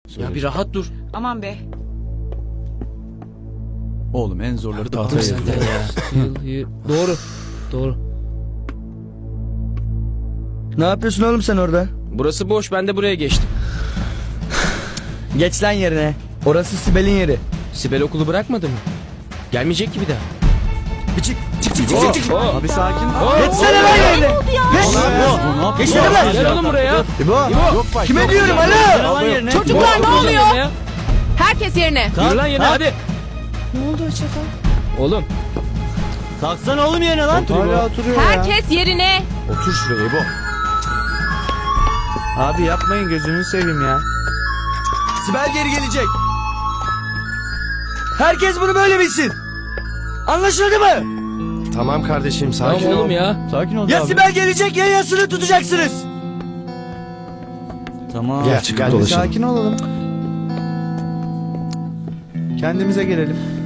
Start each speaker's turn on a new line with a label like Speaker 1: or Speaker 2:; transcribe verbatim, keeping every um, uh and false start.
Speaker 1: Ya bir rahat dur.
Speaker 2: Aman be.
Speaker 3: Oğlum en zorları
Speaker 1: Bıktım
Speaker 3: tahtaya
Speaker 1: senden
Speaker 3: yazıyor.
Speaker 1: ya. Doğru. Doğru.
Speaker 4: Ne yapıyorsun oğlum sen orada?
Speaker 1: Burası boş, ben de buraya geçtim.
Speaker 4: Geç lan yerine. Orası Sibel'in yeri.
Speaker 1: Sibel okulu bırakmadı mı? Gelmeyecek ki bir daha.
Speaker 4: Bir çık çık çık çık çık.
Speaker 1: Oh,
Speaker 3: Abi sakin.
Speaker 4: Geçsene lan yerine. Geç. Geçsene lan.
Speaker 1: Gel oğlum buraya.
Speaker 4: İbo.
Speaker 3: Yok bak.
Speaker 4: Kime
Speaker 3: yok.
Speaker 4: diyorum alo?
Speaker 5: Çocuklar ne oluyor?
Speaker 1: Ya.
Speaker 5: Herkes yerine.
Speaker 1: Yürü lan yerine hadi.
Speaker 5: Ne oldu Hoşçakal?
Speaker 1: Oğlum.
Speaker 4: Kalksana oğlum yerine lan.
Speaker 3: Hala oturuyor ya.
Speaker 5: Herkes yerine.
Speaker 3: Otur şuraya İbo. Abi yapmayın gözünü seveyim ya.
Speaker 4: Sibel geri gelecek. Herkes bunu böyle bilsin. Anlaşıldı mı?
Speaker 6: Tamam kardeşim sakin
Speaker 1: Tamam
Speaker 6: ol.
Speaker 1: oğlum ya.
Speaker 3: Sakin ol
Speaker 4: Ya
Speaker 3: abi.
Speaker 4: Sibel gelecek ya yasını tutacaksınız. Tamam.
Speaker 6: Gel çıkıp
Speaker 3: Gel bir
Speaker 6: dolaşalım.
Speaker 3: sakin olalım. Kendimize gelelim.